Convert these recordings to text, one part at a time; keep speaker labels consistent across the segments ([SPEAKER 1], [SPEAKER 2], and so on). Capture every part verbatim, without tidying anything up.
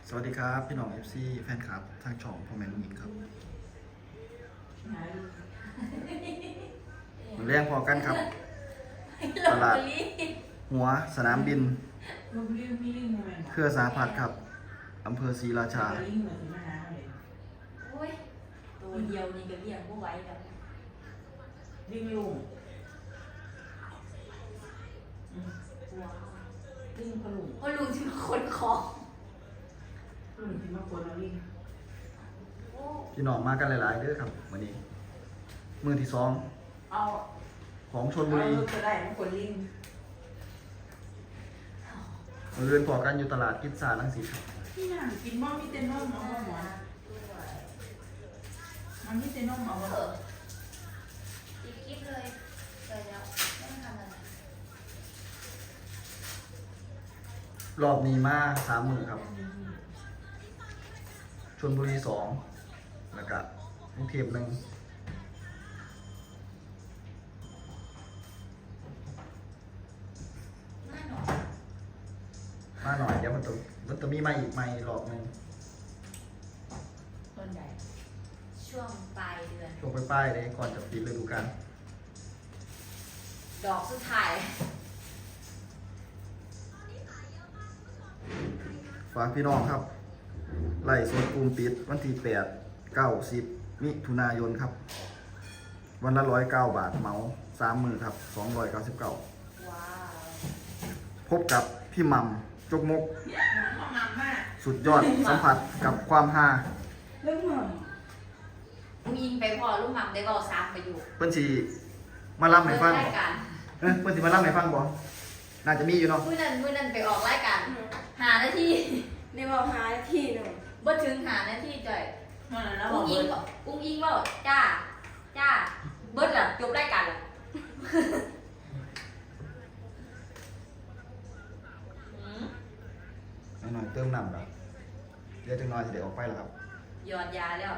[SPEAKER 1] สวัสดีครับพี่น้อง เอฟ ซี แฟนคลับทางช่องพ่อแม่ลุงหญิงครับมาเรียงพอกันครับตลาดหัวสนามบินเครือสาพัฒน์ครับอำเภอศรีราชา
[SPEAKER 2] โอ้ยตัวเดียวนี่ก็เรียกว่าไหวแล้ว
[SPEAKER 3] วิ่งลุงวิ่งพลุง
[SPEAKER 2] เพราะลุงที่มาขนของ
[SPEAKER 3] ลุงที่มาคนเราวิ่ง
[SPEAKER 1] พี่น้องมากันหลายๆเด้อครับวันนี้มือที่สอง
[SPEAKER 3] เอา
[SPEAKER 1] ของชลบุรี
[SPEAKER 3] จะได้มาคนลิง
[SPEAKER 1] มาเรียนพอกันอยู่ตลาดกิจสารังสิตครับ
[SPEAKER 3] พี่น่ากินบ้ามีเต้นนมเอาหมอนมันมีเต้นนมเอาหมอน
[SPEAKER 2] อีกคลิปเลยไปแล้วไม่ทำอะไร
[SPEAKER 1] รอบนี้มาสามมือครับชลบุรีสองแล้วก็กรุงเทพหนึ่ง
[SPEAKER 2] น่าหนอ
[SPEAKER 1] มาหน่อยเดี๋ยวมันต้องมันต้องมีมาอีกไม่รอบหนึง
[SPEAKER 3] ต้นใหญ่
[SPEAKER 2] ช่วงปลายเดือน
[SPEAKER 1] ช่วงปลายๆเลยก่อนจะปิดฤดูกาล
[SPEAKER 2] ดอกสุดท้าย
[SPEAKER 1] ฝากพี่น้องครับไล่สดกลุ่มปิดวันที่แปดเก้าสิบมิถุนายนครับ วันละร้อยเก้าบาทเหมาสามมือครับสองร้อยเก้าสิบเก้า
[SPEAKER 2] ว้าว
[SPEAKER 1] พบกับพี่หมัมจกมก
[SPEAKER 3] ห้องน้ำมาก
[SPEAKER 1] สุดยอดสัมผัสกับความฮา
[SPEAKER 3] เรื่องหม่
[SPEAKER 2] ลุงยิงไปพอลุงหม่ำได้บอกซ้ำไปอยู่
[SPEAKER 1] เพิ่นสิมาล่ำให้ฟัง
[SPEAKER 2] เปิด
[SPEAKER 1] บ่
[SPEAKER 2] รายการ
[SPEAKER 1] เอ้ยเพิ่นสิมาล่ำให้ฟังบ่น่าจะมีอยู่เนาะ
[SPEAKER 2] มื้อนั้นมื้อนั้นไปออกรายการหาหน้าที่
[SPEAKER 4] ในบอกหาที่หนึ่ง
[SPEAKER 2] บ่ถึงหาหน้าที่จ่อย
[SPEAKER 3] ำมันแล้วบ
[SPEAKER 2] อุ้
[SPEAKER 3] อก
[SPEAKER 2] ง
[SPEAKER 3] เบิ
[SPEAKER 2] อิง
[SPEAKER 3] ร์ด
[SPEAKER 2] บอกอุ้งอิงบอกจ้าจ้าเบิดล่ะจบรายการล่ะ อืม
[SPEAKER 1] หน่อยๆเติมน้ำครับเดี๋ยวจังน้อยสิได้ออกไปแล้วครับ
[SPEAKER 2] หยอดยาแล้ว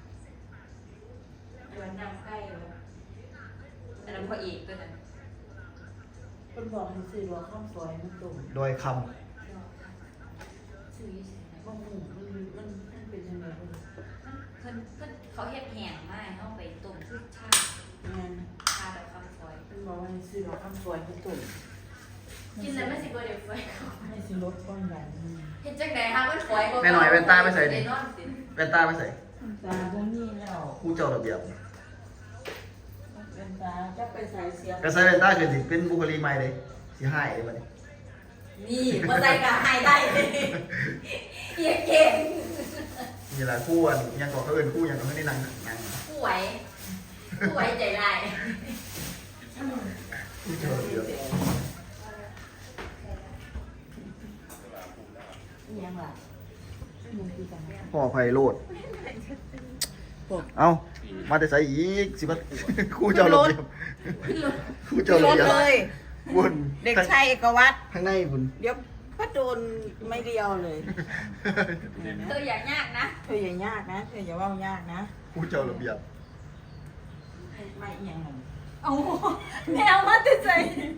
[SPEAKER 2] หยอดน้ำใกล้แล้วอันนั้นพออีกตัวนั้น
[SPEAKER 3] คนบอกให้ซื้อรอข้าวซอยมันตุ่ม
[SPEAKER 1] โดยคำ
[SPEAKER 2] ซื้ออยู่ไสนะ
[SPEAKER 3] บ้องหูมันมันมันเป็นยังไงบ้าง
[SPEAKER 2] เพิ่นเพิ่นเขาเฮ็ดแห้งมาให้เฮาไปต้มคือชา
[SPEAKER 3] งาน
[SPEAKER 2] ชาแบบคำซอย
[SPEAKER 3] คนบอกว่าให้ซื้อรอข้าวซอยมันตุ่ม
[SPEAKER 2] กินแล้วมันสิบ่ได้ฝอยเขา
[SPEAKER 3] ให้ซื้อรถก้อนใหญ่
[SPEAKER 2] เฮ็ดจังได๋ฮะมันฝอยบ่
[SPEAKER 1] แม่หน่อยแว่นตาไปใส่ดิ
[SPEAKER 2] ด้นอนสิ
[SPEAKER 1] แว่นตาไปใส่
[SPEAKER 3] ตาพวกนี้แล้ว
[SPEAKER 1] ครู่เจ้าระเบียบ
[SPEAKER 3] เป็นตาจะไปใส่เสียง
[SPEAKER 1] ก็ใส่แว่นตาคือสิเป็นบุคลิกใหม่เลยสิหายเลยบัดนี้
[SPEAKER 2] นี่บ่ใส่ก็หายได้เฮียเก่ง
[SPEAKER 1] นี่แหละคู่อันยังก่อเขาเอินคู่ยังก็ไม่ได้นั่งนั่ง
[SPEAKER 2] ผู้ไหวผู้ไหวใจร้าย
[SPEAKER 1] คู่เจ้าระเบียบ
[SPEAKER 3] ยังล่ะมึงคือกันนะ
[SPEAKER 1] พ่อไพโรดเอ้ามาแต่ใส่อีกสิมาคู่เจ้าระเบียบคู่เจ้าระ
[SPEAKER 4] รถ
[SPEAKER 1] เบียบ
[SPEAKER 4] เลย
[SPEAKER 1] บุญ
[SPEAKER 4] เด็กชายเอกวัตร
[SPEAKER 1] ข้างในบุญ
[SPEAKER 4] เดี๋ยวพ่อโดนไม่เดียวเลย
[SPEAKER 2] เธออย่ายากนะ
[SPEAKER 4] เธออย่ายากนะเธออย่าว่ายากนะ
[SPEAKER 1] คู่เจ้าระเบียบ
[SPEAKER 3] ไม่เอียงหนึ่ง
[SPEAKER 4] เอาแนวมาติดใจ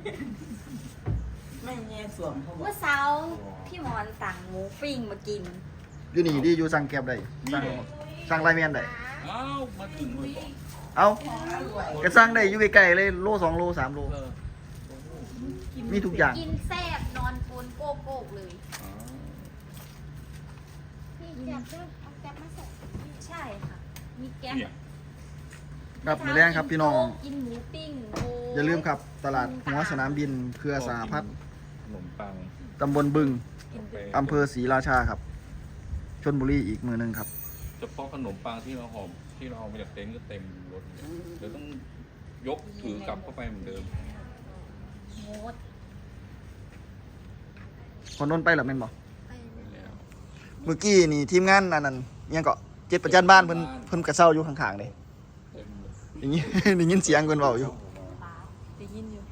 [SPEAKER 3] ไม่แง่สวมเขาบอก
[SPEAKER 5] เมื่อเช้าพี่หมอนสั่งหมูปิ้งมากิน
[SPEAKER 1] อยู่นี่ดิอยู่สั่งแก็บได้สั่งสั่งไลน์แมนได้
[SPEAKER 6] อ้าวมาถึงเลยบอก
[SPEAKER 1] เอ้า
[SPEAKER 3] อร่อย
[SPEAKER 1] ก็สั่งได้อยู่ใกล้ๆเลยโลสองโลสามโล
[SPEAKER 6] เออ
[SPEAKER 1] มีทุกอย่าง
[SPEAKER 5] กินแซ่บนอนปูนโกโก้เลย
[SPEAKER 6] อ๋อ
[SPEAKER 5] พี่แก๊บด้วยเอาแก๊บมาส่งใช่ค่ะ มีแก๊บ
[SPEAKER 6] เนี่ย
[SPEAKER 1] ครับมีแรงครับพี่น้อง
[SPEAKER 5] กินหมูปิ้งโ
[SPEAKER 1] อย่าลืมครับตลาดหัวสนามบินเครือสาพัฒน์
[SPEAKER 6] ขนมปัง
[SPEAKER 1] ตำบลบึง
[SPEAKER 5] กิน
[SPEAKER 6] ไป
[SPEAKER 1] อำเภอศรีราชาครับชลบุรีอีกมือหนึ่งครับ
[SPEAKER 6] เฉพาะขนมปังที่เราหอมที่เราเอามาจากเต็นท์ก็เต็มรถเลยเดี๋ยวต้องยกถือกลับเข้าไปเหมือนเดิม
[SPEAKER 5] โมด
[SPEAKER 1] คนน้นไปหรือไม่นบอก
[SPEAKER 5] ไป
[SPEAKER 6] ไปแล้ว
[SPEAKER 1] เมื่อกี้นี่ทีมงานอันนั้นยังก็เจ็ดประจันบ้านเพิ่นเพิ่นกระเซ้าอยู่ข้างๆเลย
[SPEAKER 6] เต็มเลย
[SPEAKER 1] อย่างนี้ ได้ยินเสียงเพิ่นเว้าอยู่
[SPEAKER 5] ป้าได้ยินอยู่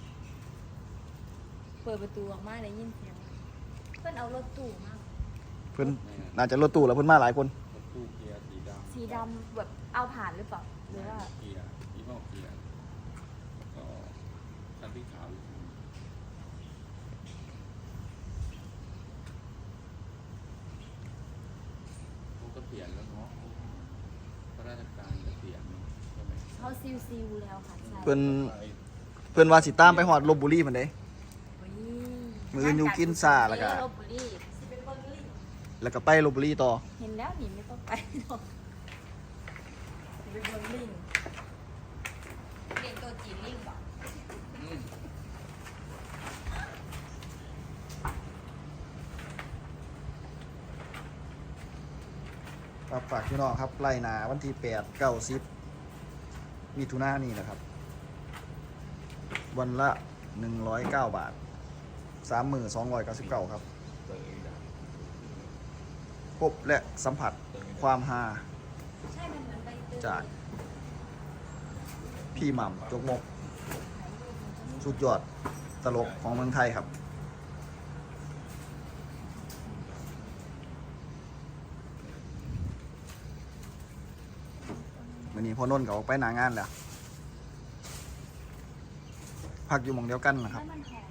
[SPEAKER 5] เปิดประตูออกมาได้ยินเสียงเพื่อนเอารถตู้มา
[SPEAKER 1] เพิ่นน่าจะรถตู้แล้วเพิ่นมาหลายคน
[SPEAKER 6] รถตู้เกียร์สีดำ
[SPEAKER 5] สีดำแบบเอาผ่านหรือเปล่าหรือว่า
[SPEAKER 6] เกียร์ยี่ห้อเกียร์แล้วก็คันที่ขาวอยู่ษียณแล้วเนาะข้าราชการเกษียณใช่ไหม
[SPEAKER 2] เขาซิวซิวๆแล้วค่ะใช่
[SPEAKER 1] เพิ่นเพิ่นว่าสิตามไปฮอดลพบุรีมันเด้
[SPEAKER 2] โอ้ย
[SPEAKER 1] มื้ออื่นอยู่กินซ่าแล้วก็
[SPEAKER 2] ลพบุรี
[SPEAKER 1] แล้วก็ไปลพบุรีต่อ
[SPEAKER 2] เห็นแล้วหนีไม่ต้องไปหรอกไปเบิ่งลิงเรียนตัวจีนลิงบอก
[SPEAKER 6] อืม
[SPEAKER 1] ครับฝากพี่น้องครับไล่หนาวันที่แปด เก้า สิบมิถุนายนนี่นะครับ วันละหนึ่งร้อยเก้าบาทสามหมื่นสองร้อยเก้าสิบเก้าครับ
[SPEAKER 6] เตยดัง
[SPEAKER 1] พบและสัมผัสความฮา
[SPEAKER 2] ใช่มันเหมือนใบเตย
[SPEAKER 1] จากพี่หม่ำจกมก สุดยอดตลกของเมืองไทยครับวันนี้พอนนท์ก็ออกไปหนางานแล้วพักอยู่หม่องเดียวกันนะครับ
[SPEAKER 2] แล้วมันหอม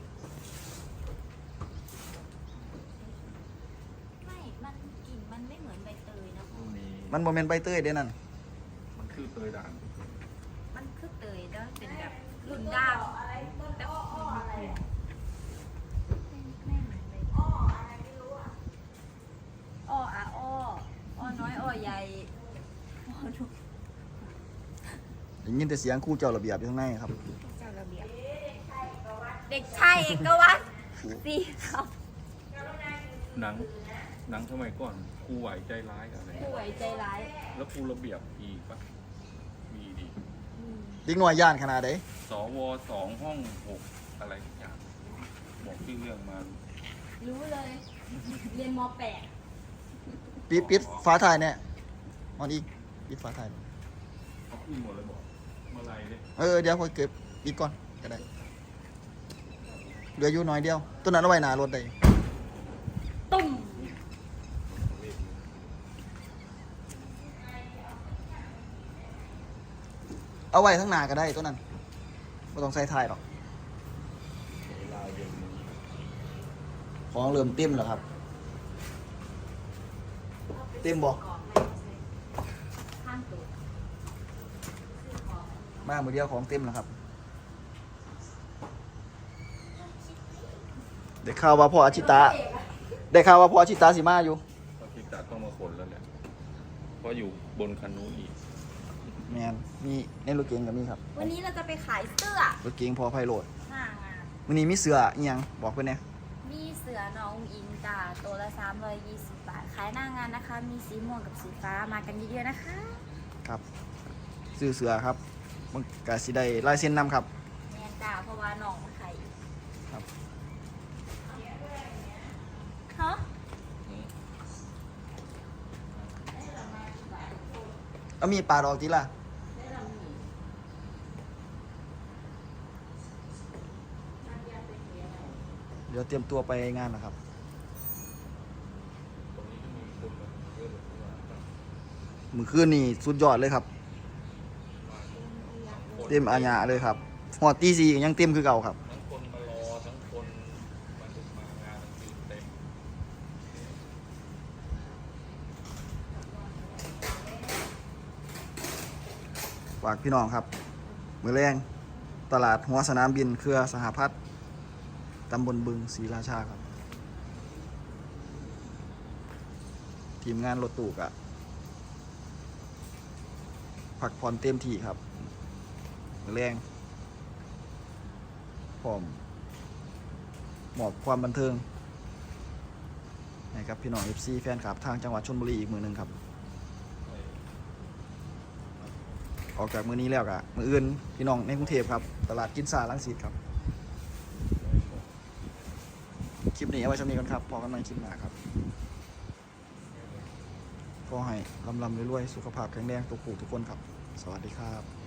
[SPEAKER 2] เหมือนใบไม่มันกลิ่นมันไม่เหมือนใบเตยนะ
[SPEAKER 6] พรุ่งนี้
[SPEAKER 1] มันโมเมนใบเตยเด้นั่น
[SPEAKER 6] มันคือเตยด่าง
[SPEAKER 2] มันคือเตยแล้วเป็นแบบรุ่นดาวแต่ไม่เหมือนใบเตยอ้ออะไรไม่รู้อ่ะอ้ออะอ้ออ้อน้อยอ้อใหญ่อ้อทุก
[SPEAKER 1] ได้ยินแต่เสียงครู่เจ้าระเบียบอยู่ข้างในครับ
[SPEAKER 2] เจ้าระเบียบเด็กชายเอกวัตรสีขาว
[SPEAKER 6] หนังหนังสมัยก่อนครูไหวใจร้ายกับอะไร
[SPEAKER 2] ผู้ไหวใจร้าย
[SPEAKER 6] แล้วครูระเบียบอีกปะมีดี
[SPEAKER 2] อืม
[SPEAKER 1] เด็กน้อยย่านขนาดใด
[SPEAKER 6] สวสองห้องหกอะไรทุกอย่างบอกชื่อเรื่องมา
[SPEAKER 2] รู้เลย เรียนมแปด
[SPEAKER 1] ปิดปิดฟ้าถ่ายเนี่ยมอนอีกปิดฟ้าถ่าย
[SPEAKER 6] เขาขึ้นหมดเลยบอกเมื่อไรเนี่ย
[SPEAKER 1] เออเดี๋ยวค่อยเก็บปิดก่อนก็ได้เหลืออยู่น้อยเดียวตัวนั้นเอาไว้หน้ารถได้
[SPEAKER 2] ตุ่ม
[SPEAKER 1] เอาไว้ทั้งหน้าก็ได้ตัวนั้นไม่ต้องใส่ถ่ายหรอก
[SPEAKER 6] เวลาเย็นนี้
[SPEAKER 1] ของเริ่มเต็มแล้วครับ เต็มบ่
[SPEAKER 2] ข้างตัว
[SPEAKER 1] มามือเดียวของเต็มแล้วครับได้ข่าวว่าพ่ออาชิตะได้ข่าวว่าพ่ออาชิตะสิมาอยู่
[SPEAKER 6] ก็คิดจะต้องมาขนแล้วแหละเพราะอยู่บนคันนู้นอีก
[SPEAKER 1] แมนมีในรถเก๋งกับมีครับ
[SPEAKER 2] วันนี้เราจะไปขายเสื้อ
[SPEAKER 1] รถเก๋งพอไพโรด
[SPEAKER 2] หน้างาน
[SPEAKER 1] วันนี้มีเสืออีหยังบอกเพื่อนเนี่ย
[SPEAKER 2] มีเสือน้องอิงจ้าตัวละสามร้อยยี่สิบบาท ขายหน้างานนะคะ มีสีม่วงกับสีฟ้ามากันเยอะๆนะคะ
[SPEAKER 1] ครับซื้อเสือครับมันกาสิได้ลายเส้นนำครับ
[SPEAKER 2] แมนจ้าเพราะว่าน้องมาขายอีก
[SPEAKER 1] ครับ
[SPEAKER 2] ฮะ
[SPEAKER 1] เอามีดปาดออกทีละเดี๋ยวเตรียมตัวไปงานนะครับ
[SPEAKER 6] ตรงนี้ก็มีคนมาเยอะเลยที่ว่า
[SPEAKER 1] มือคืนนี่สุดยอดเลยครับ เต็มอาญาเลยครับหอดตีสี่ยังเต็มคือเก่าครับ
[SPEAKER 6] ทั้งคนมารอทั้งคนมาดูมางานทั้งคืนเต็ม
[SPEAKER 1] ฝากพี่น้องครับ มือแรงตลาดหัวสนามบินเครือสหพัฒน์ตำบลบึงศรีราชาครับ ทีมงานรถตู้กะพักผ่อนเต็มที่ครับ มือแรงพร้อมหมอบความบันเทิงให้กับพี่น้อง เอฟ ซี แฟนคลับทางจังหวัดชลบุรีอีกมือหนึ่งครับ ออกจากมือนี้แล้วกะมืออื่นพี่น้องในกรุงเทพครับ ตลาดกินซาลังสิตครับ คลิปนี้เอาไว้ช่วงนี้กันครับพอกันใหม่คลิปหน้าครับก็ให้ลำลำรวยๆสุขภาพแข็งแรงทุกผู้ทุกคนครับ สวัสดีครับ